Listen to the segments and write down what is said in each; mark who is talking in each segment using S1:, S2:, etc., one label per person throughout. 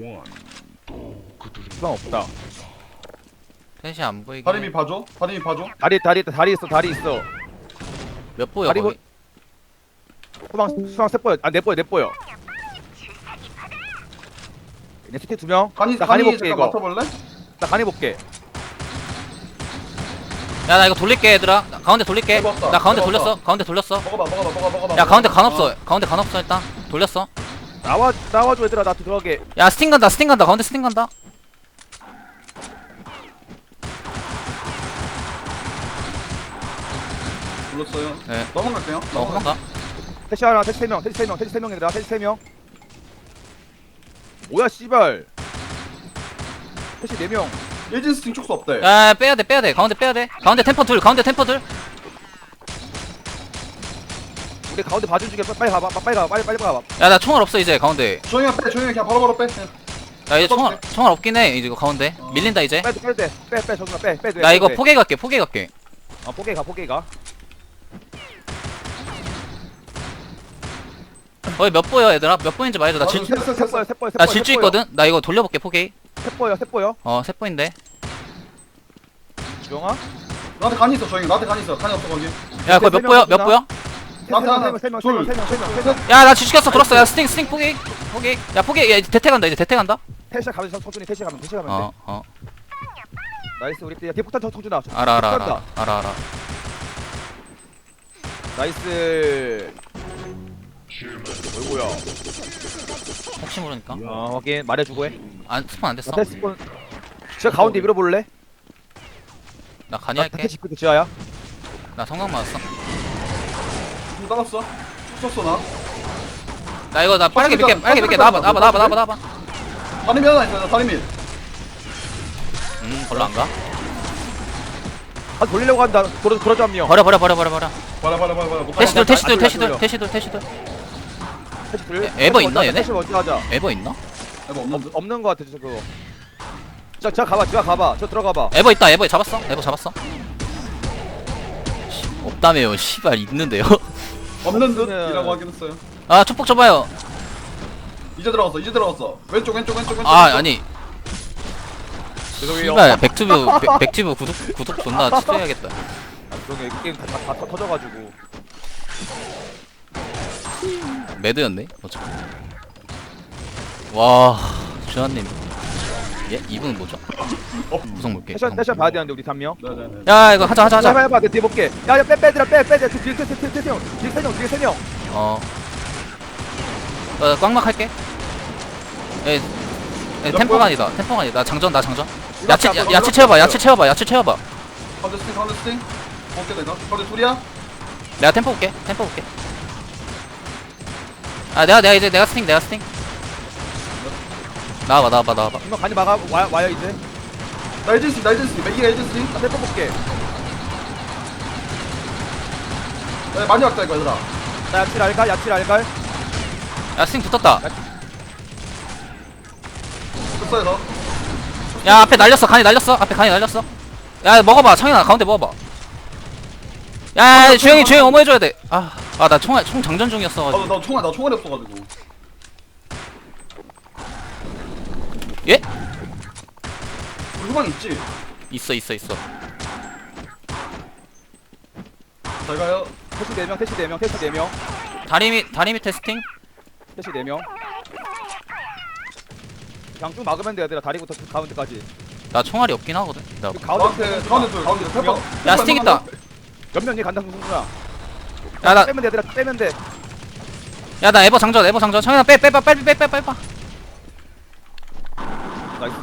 S1: 주방 없다.
S2: 셋이 안 보이게.
S3: 다리미 봐줘. 다리미 봐줘.
S1: 다리 있어.
S2: 몇 보여
S1: 다리
S2: 거기?
S1: 수방 세 보여. 내 보여. 얘네 CT 2명.
S3: 간이
S1: 나 간이 볼게
S3: 잠깐
S1: 이거.
S3: 맡아볼래?
S1: 나 간이 볼게.
S2: 야 나 이거 돌릴게 얘들아. 나 가운데 돌릴게.
S3: 먹었다.
S2: 나 가운데
S3: 먹었다.
S2: 돌렸어. 가운데 돌렸어.
S3: 먹어봐.
S2: 야 가운데 간 없어. 가운데 간 없어 일단. 돌렸어.
S1: 나와줘 얘들아. 나 들어가게.
S2: 야 스팅 간다. 스팅 간다. 가운데 스팅 간다.
S3: 불렀어요.
S2: 네.
S3: 넘어갈게요.
S2: 도망가.
S1: 태시 하나, 태시 3명, 태시 3명, 태시 3명 얘들아. 태시 3명. 뭐야 씨발. 태시 4명.
S3: 일진 스팅 촉수 없대.
S2: 야 빼야돼 빼야돼. 가운데 빼야돼. 가운데 템퍼 둘. 가운데 템퍼 둘.
S1: 우리 가운데 봐준 중에 빨리 가봐. 빨리 가봐.
S2: 야 나 총알 없어 이제 가운데.
S3: 조용히 빼. 조용히 그냥 바로바로 빼.
S2: 야 이제 총알 없긴 해. 이제 이거 가운데. 밀린다 이제.
S1: 빼도 돼. 빼 정준아 빼.
S2: 나 이거 포개 갈게. 포개 갈게.
S1: 포개 가.
S2: 거기 몇 보여 얘들아? 몇 보인지 말해줘. 나 나 질주 있거든. 나 이거 돌려볼게 포개.
S1: 세 보여.
S2: 세 보인데.
S1: 주영아?
S3: 나한테 간이 있어. 조용히. 나한테 간이 있어. 간이 없어 거기.
S2: 야 거기 몇 보여? 몇 보여?
S3: 나한테 하나.
S1: 세 명.
S2: 야 나 질주켰어. 돌았어. 야 스팅 포개. 포개. 야 포개. 야 이제 대퇴 간다. 이제 대퇴 간다.
S1: 태시 가면 천천히 태시 가면 돼. 나이스 우리 뒤에 폭탄 청준아.
S2: 알아.
S1: 나이스. 어이구야.
S2: 혹시 모르니까.
S1: 확인 말해주고 해.
S2: 스폰 안 됐어.
S1: 테스폰. 저 가운데 밀어볼래?
S2: 나 간이 할게.
S1: 태시 그 지하야.
S2: 나 성광 맞았어.
S3: 좀 따랐어. 촉 썼어 나.
S2: 나 이거 나 빠르게 밀게. 나와봐.
S3: 다리미 하나 있어. 다리미.
S2: 별로 안 가.
S1: 돌리려고 한다. 돌아줘 한 명.
S2: 버려.
S3: 봐라.
S2: 태시들.
S1: 태시
S2: 에버 있나, 얘네?
S1: 태시 먼저 하자.
S2: 에버 있나?
S3: 이거 없는데.
S1: 없는 거 같아 저 그거. 자 가봐. 저 들어가봐.
S2: 에버 있다. 에버 잡았어. 없다며요. 씨발 있는데요.
S3: 없는 듯이라고 하긴 했어요.
S2: 아 축복 줘봐요.
S3: 이제 들어갔어. 왼쪽.
S2: 아니.
S1: 죄송해요.
S2: 씨발 백튜브 구독 존나 취소해야겠다.
S1: 그러게 게임 다 터져가지고.
S2: 매드였네. 어차피. 와 주한님. 예? 이분은 뭐죠? 구성 볼게.
S1: 태시 봐야 되는데 우리 3명.
S3: 네네네.
S2: 야 이거 하자.
S1: 해봐. 내 뒤에 볼게. 야 빼들아 빼. 뒤에 세 명.
S2: 꽉막 할게. 템포가 아니다. 나 장전. 야채 채워봐.
S3: 가운데 스팅. 볼게 내가. 가운데 둘이야?
S2: 내가 템포 볼게. 아 내가 스팅. 나와봐.
S1: 이거 간이 와요 이제.
S3: 나 일진 스팅. 매기가 일진 스팅.
S1: 나 세포 볼게.
S3: 야, 많이 왔다 이거 얘들아.
S1: 나 야칠 알갈.
S2: 야 스팅 붙었다.
S3: 됐어 얘들아.
S2: 야 앞에 날렸어. 간이 날렸어. 야 먹어봐. 창현아 가운데 먹어봐. 야 주영이 어머 해줘야 돼. 나 총 장전 중이었어가지고.
S3: 나 총알이 없어가지고.
S2: 예?
S3: 후방 있지?
S2: 있어.
S3: 잘 가요.
S1: 태시 4명.
S2: 다리 밑에 스팅.
S1: 태시 4명. 그냥 쭉 막으면 돼 얘들아. 다리부터 가운데까지.
S2: 나 총알이 없긴 하거든. 나
S3: 가운데 둘. 페퍼.
S2: 야 스팅 있다.
S1: 몇 명이 간다 승준아.
S2: 야
S1: 빼면 돼 얘들아. 빼면 돼.
S2: 나 에버 장전. 창현아 빼. 빨리.
S1: 나이스.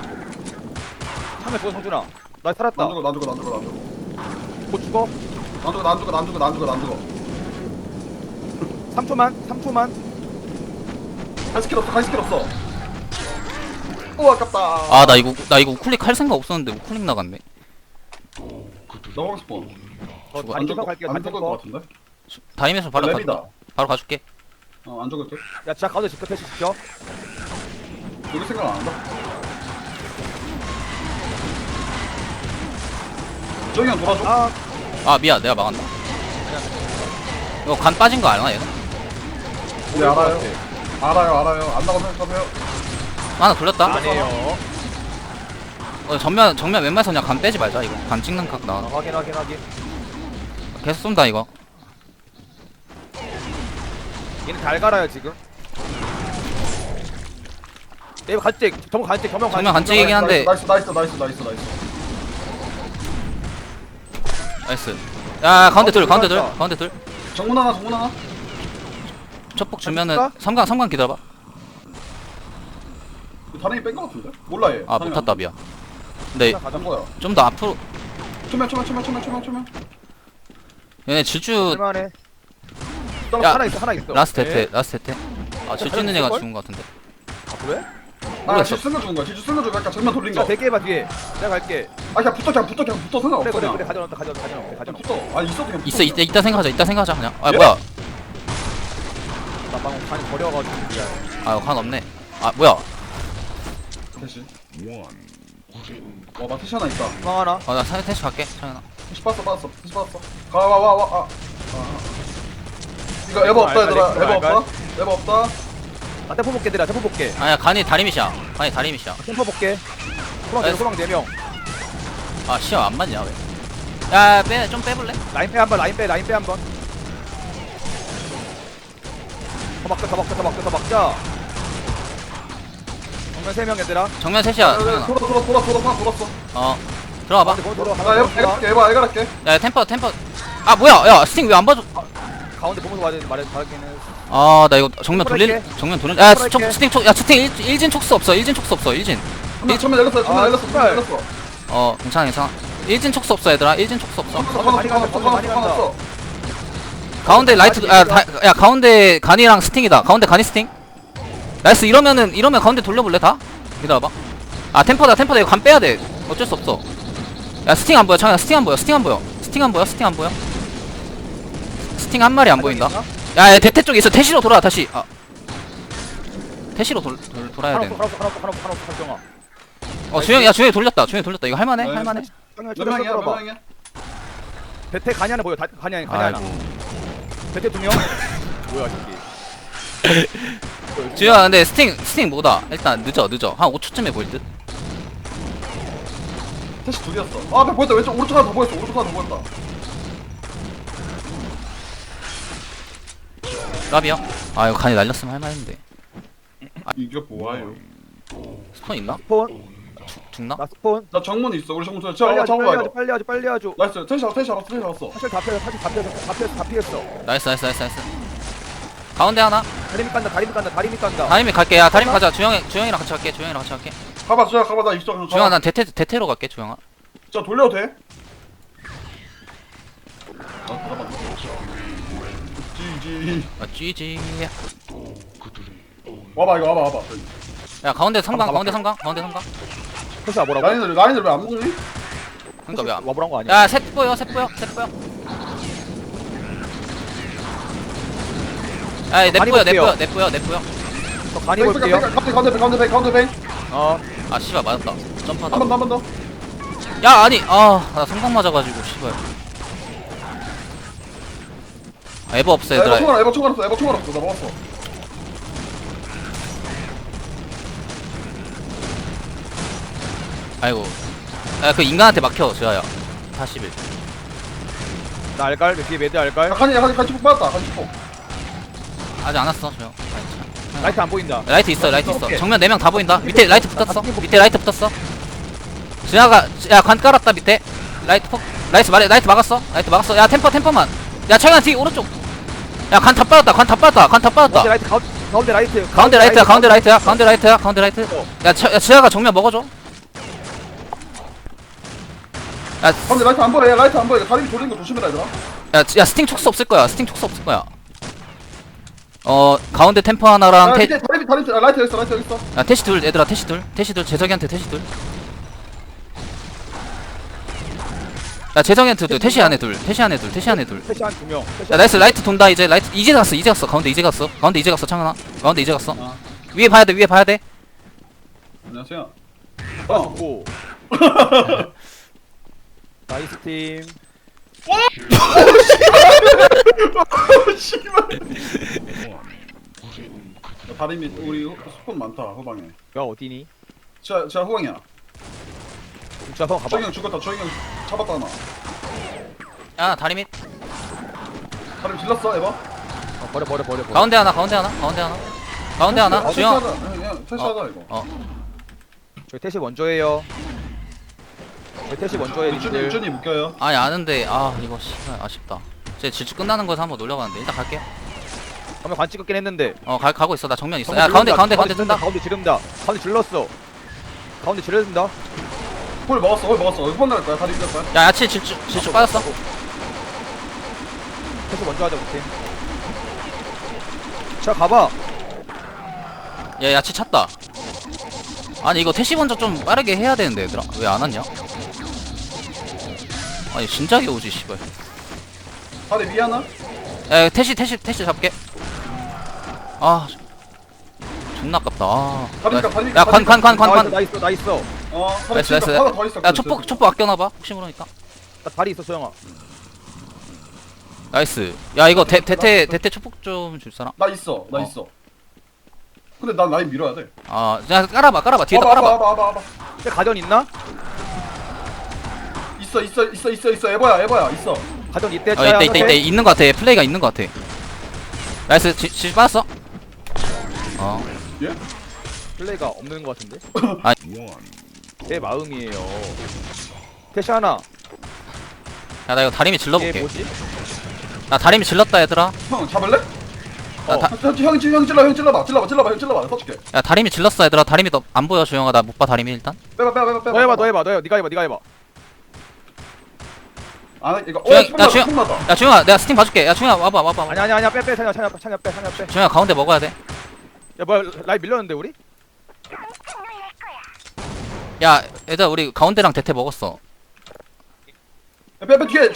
S1: 참에 죽어 성준아. 나 살았다.
S3: 난 죽어.
S1: 못 죽어.
S3: 난 죽어.
S1: 3초만.
S3: 갈 스킬 없어. 오 아깝다.
S2: 나 이거 우클릭 할 생각 없었는데 우클릭 나갔네.
S3: 넘어가 스폰.
S1: 다리 쪽 갈게요.
S3: 안 죽을 것 같은데?
S2: 다이면서 바로
S3: 랩이다.
S2: 바로 가줄게.
S3: 안 죽을 듯?
S1: 야 진짜 가운데 지켜 태시 지켜.
S3: 우리 생각 안 한다? 저기 형 돌아줘.
S2: 미안 내가 막았다. 이거 간 빠진 거 알아 얘는?
S3: 네 알아요. 안 나가고 생각하세요.
S2: 하나 돌렸다.
S1: 아니에요.
S2: 정면 웬만해서 그냥 간 빼지 말자 이거. 간 찍는 각 나와.
S1: 확인.
S2: 계속 쏜다 이거.
S1: 얘는 잘 갈아요 지금. 네이버 간찍. 정면 간찍.
S2: 정면 간찍이긴 한데.
S3: 나이스.
S2: 나이스. 야 가운데 둘.
S1: 들어갔다.
S2: 가운데 둘.
S3: 정문 하나.
S2: 첫폭 주면은
S1: 간찍까?
S2: 삼각 기다려봐.
S3: 다행히 뺀거 같은데? 몰라 얘.
S2: 아 못탔다 미안. 근데
S3: 가장 거야.
S2: 좀 더 앞으로.
S3: 초면.
S2: 얘네 질주
S1: 할만해.
S2: 야,
S1: 하나 있어.
S2: 라스트
S1: 네.
S2: 대퇴 라스트 대퇴. 아 질주 있는 애가 죽은 거 같은데.
S1: 아, 그래?
S3: 아,
S2: 모르겠어.
S3: 지주 쓴거 죽은 거야. 지주 쓴거 죽은 약간 정면 돌린
S1: 자,
S3: 거.
S1: 대기해봐 뒤에. 내가 갈게.
S3: 아, 그냥 붙어 상관없어.
S1: 그래.
S3: 그냥.
S1: 가져놓다.
S3: 그냥 붙어. 아, 있어도 그냥
S2: 있어
S3: 붙어.
S2: 이따 생각하자 그냥. 아
S3: 예?
S2: 뭐야?
S1: 나 방금 간이 버려가지고 미안.
S2: 아간 없네. 아 뭐야?
S3: 대시. 와, 나 태시 하나 있다.
S1: 방 하나.
S2: 나 태시 갈게. 창현아.
S3: 태시 빠졌어. 와. 이거 에버 없다, 얘들아. 에버 없다.
S1: 나 템포 볼게 얘들아. 템포 볼게.
S2: 아니야 간이 다리미시야.
S1: 템포 볼게. 소방 4명.
S2: 아 시야 안 맞냐 왜? 야빼좀 빼볼래?
S1: 라인 빼 한번. 라인 빼 한번. 더 막자. 정면 3명 얘들아.
S2: 정면 셋이야. 창현아.
S3: 돌았어.
S2: 들어가봐.
S1: 가운데 보면 돌아.
S3: 나
S1: 가운데 보면 돌아.
S3: 에버 갈게.
S2: 야 템퍼. 아 뭐야? 야 스팅 왜 안 봐줘?
S1: 가운데 보면서 말하기는.
S2: 아 나 이거 정면 돌릴.
S1: 할게.
S2: 야
S1: 할게.
S2: 스팅 일진 촉수 없어. 일진 촉수 없어.
S3: 처음에 열렸어.
S2: 괜찮아. 일진 촉수 없어 얘들아. 일진 촉수 없어.
S1: 많이 간다.
S2: 가운데 라이트 야 가운데 간이랑 스팅이다. 가운데 간이 스팅. 나이스. 이러면 가운데 돌려볼래 다? 기다려봐. 아 템퍼다 이거 간 빼야 돼. 어쩔 수 없어. 야 스팅 안 보여. 창현아 스팅 안 보여. 스팅 안 보여. 스팅 한 마리 안 보인다. 야 대퇴 쪽에 있어. 태시로 돌아 다시. 태시로 돌아야 돼.
S1: 하나
S2: 주영이 돌렸다. 이거 할만해.
S3: 네.
S2: 할만해.
S3: 몇 명이야?
S1: 대퇴 간이 하나 보여. 간이 하나.
S2: 아이고.
S1: 대퇴 2명. 뭐야 저기.
S2: 주영아 근데 스팅 뭐다. 일단 늦어. 한 5초쯤에 보일 듯.
S3: 태시 둘이었어. 아, 앞에 보였다. 왼쪽 오른쪽 하나 더 보였다.
S2: 라비야. 아 이거 간이 날렸으면 할만했는데.
S3: 이게 뭐예요?
S2: 스폰 있나?
S1: 스폰.
S2: 죽나?
S1: 나 스폰.
S3: 나 정문 있어. 우리 정문
S1: 빨리 하죠.
S3: 나이스. 태시 알았어.
S1: 사실 다 피했어.
S2: 나이스. 가운데 하나.
S1: 다리미 깐다.
S2: 다림이 갈게. 야 다림 가자. 주영이랑 같이 갈게.
S3: 가봐. 나 이쪽.
S2: 주영아 난 대퇴로 갈게. 주영아.
S3: 자, 돌려도 돼? 잠깐만. GG.
S2: GG.
S3: 와봐.
S2: 야 가운데 성강.
S1: 회사 뭐라고?
S3: 라인을 왜 안 먹니?
S2: 그러니까 왜 안?
S1: 와보란 거 아니야?
S2: 야 셋 보여. 야
S1: 많이
S2: 내보여.
S1: 저 간이 볼게요.
S3: 가운데 뱅.
S2: 아 씨발 맞았다. 점프하다.
S3: 한 번 더.
S2: 야 아니 나 성강 맞아가지고 씨발. 에버 없어 얘들아.
S3: 에버 총 알았어. 나 먹었어.
S2: 아이고. 야 그 인간한테 막혀 지아야. 41.
S1: 나 알갈. 뒤에 매드 알갈.
S3: 같이 폭 받았다.
S2: 아직 안 왔어 저.
S1: 라이트 안 보인다.
S2: 라이트 있어.
S1: 오케이.
S2: 정면 4명 다 보인다. 밑에 라이트 붙었어. 지아가 야관 깔았다 밑에. 라이트 막았어. 야 템퍼만. 야 창현 뒤 오른쪽. 야 관 다 빠졌다.
S1: 가운데 라이트. 가운데 라이트.
S2: 가운데 라이트. 야 지아가 정면 먹어줘. 야
S3: 가운데 라이트 안 보여. 다리 돌리는 거 조심해라, 얘들아.
S2: 야 스팅 촉수 없을 거야. 가운데 템퍼 하나랑
S3: 밑에 라이트 여기 있어.
S2: 야 태시 둘 얘들아. 태시 둘 재석이한테 태시 둘. 야 재석이한테도 태시 안에 둘.
S1: 패시 한 2명.
S2: 야 나이스. 라이트 돈다. 이제 라이트 이제 갔어. 가운데 이제 갔어. 창현아 가운데 이제 갔어. 위에 봐야 돼.
S3: 안녕하세요.
S1: 고. 나이스 팀.
S3: 씨발. 다리 밑 우리 스폰 많다 후방에.
S1: 야 어디니?
S3: 제가 후방이야.
S1: 진짜 한번 가봐.
S3: 저기 형 죽었다. 저기 형 잡았다 하나.
S2: 야 다리 밑
S3: 다리 질렀어 에바?
S1: 버려.
S2: 가운데 하나 가운데 하나 주영
S3: 퇴시하자 이거.
S1: 저희 태시 먼저예요. 저희 태시 먼저예요. 님들.
S3: 유준이 묶여요.
S2: 아니 아는데 아 이거 씨발 아쉽다 제 질주 끝나는 거에서 한번 놀려봤는데 일단 갈게
S1: 한번 관 찍었긴 했는데.
S2: 가고 있어 나 정면 있어 야 가운데 뜬다
S1: 가운데 지른다. 가운데 질렀어. 가운데 지른다.
S3: 홀 먹었어. 후방 갈 거야. 다리 밀릴 거야.
S2: 야 야채 질주 빠졌어
S1: 태시 먼저 하자 우리 팀. 자 가봐.
S2: 야 야채 찼다 아니 이거 태시 먼저 좀 빠르게 해야 되는데 얘들아 왜 안 왔냐 아니 진작에 오지 씨발
S3: 다리 위 하나?
S2: 야 태시 잡게 아 존나 아깝다 야관
S1: 나 있어.
S3: 다리
S2: 나이스
S3: 진짜 하나 더 있어.
S2: 야 촛불 아껴놔봐 혹시 모르니까
S1: 나 다리 있어 소영아.
S2: 나이스 야 이거 대퇴 촛불 좀 줄 사람
S3: 나 있어. 근데 난 라인 밀어야 돼.
S2: 아 야 깔아봐 뒤에다 깔아봐
S3: 봐봐.
S1: 근데 가전 있나?
S3: 있어. 에바야. 있어.
S1: 가전 이때.
S2: 이때 있는 거 같아 플레이가 있는 거 같아 나이스 지 빠졌어
S3: 예?
S1: 플레이가 없는 것 같은데?
S2: 아.
S1: 내 마음이에요. 태시 하나.
S2: 야 나 이거 다리미
S1: 이게
S2: 질러볼게
S1: 뭐지?
S2: 나 다리미 질렀다 얘들아
S3: 형 잡을래?
S2: 나 다-
S3: 형 찔러봐. 형 서줄게.
S2: 야 다리미 질렀어 얘들아 다리미 너 안 보여 조영아 나 못 봐 다리미 일단
S3: 빼봐.
S1: 너 해봐. 네가 해봐.
S3: 아 이거.
S2: 야, 주영.
S3: 나
S2: 야 조영아 내가 스팀 봐줄게 야 조영아 와봐
S1: 아니야. 빼. 찬이야 빼.
S2: 조영아 가운데 먹어야 돼
S1: 야 뭐야 라이 밀렸는데 우리?
S2: 야 얘들아 우리 가운데랑 대퇴 먹었어
S3: 빼 뒤에.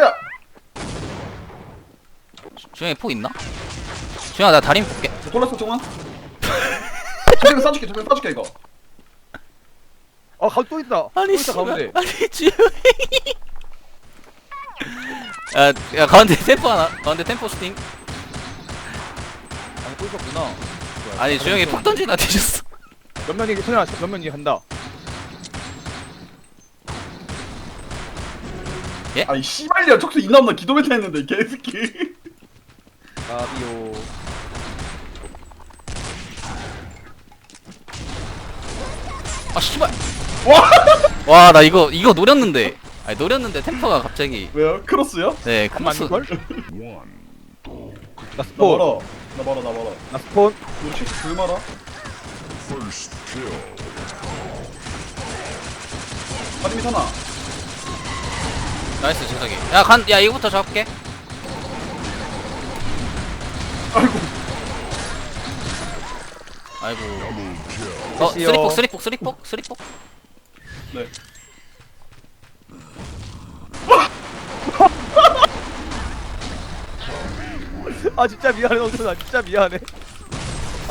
S2: 조영이 포 있나? 조영아 나 다리미 볼게
S3: 돌았어 정원. 저기 싸줄게 이거.
S1: 가운데 또 있다. 또 있다 가운데.
S2: 아니 조영이 야 가운데 템포 하나 가운데 템포 스팅
S1: 아니 또 있었구나.
S2: 아니 조영이 폭 던지나 뒤졌어
S1: 몇 명이 소연아 몇 명이 한다.
S3: 아이 씨발이야 척수 있나 없나 기도메타 했는데 개새끼.
S1: 가비오.
S2: 아 씨발 와 나 이거 노렸는데 아니 노렸는데 템포가 갑자기
S3: 왜요? 크로스요?
S2: 네
S1: 안
S2: 크로스
S1: 맞는걸? 나
S3: 나
S1: 스폰.
S3: 멀어. 나 멀어.
S1: 나 스폰.
S3: 우리 척수 글 말아. 다리 밑 하나.
S2: 나이스 재석이 야 이거부터 잡을게
S3: 아이고.
S2: 아이고
S1: 됐어요.
S2: 쓰리폭
S3: 네.
S1: 아 진짜 미안해 너 진짜 미안해.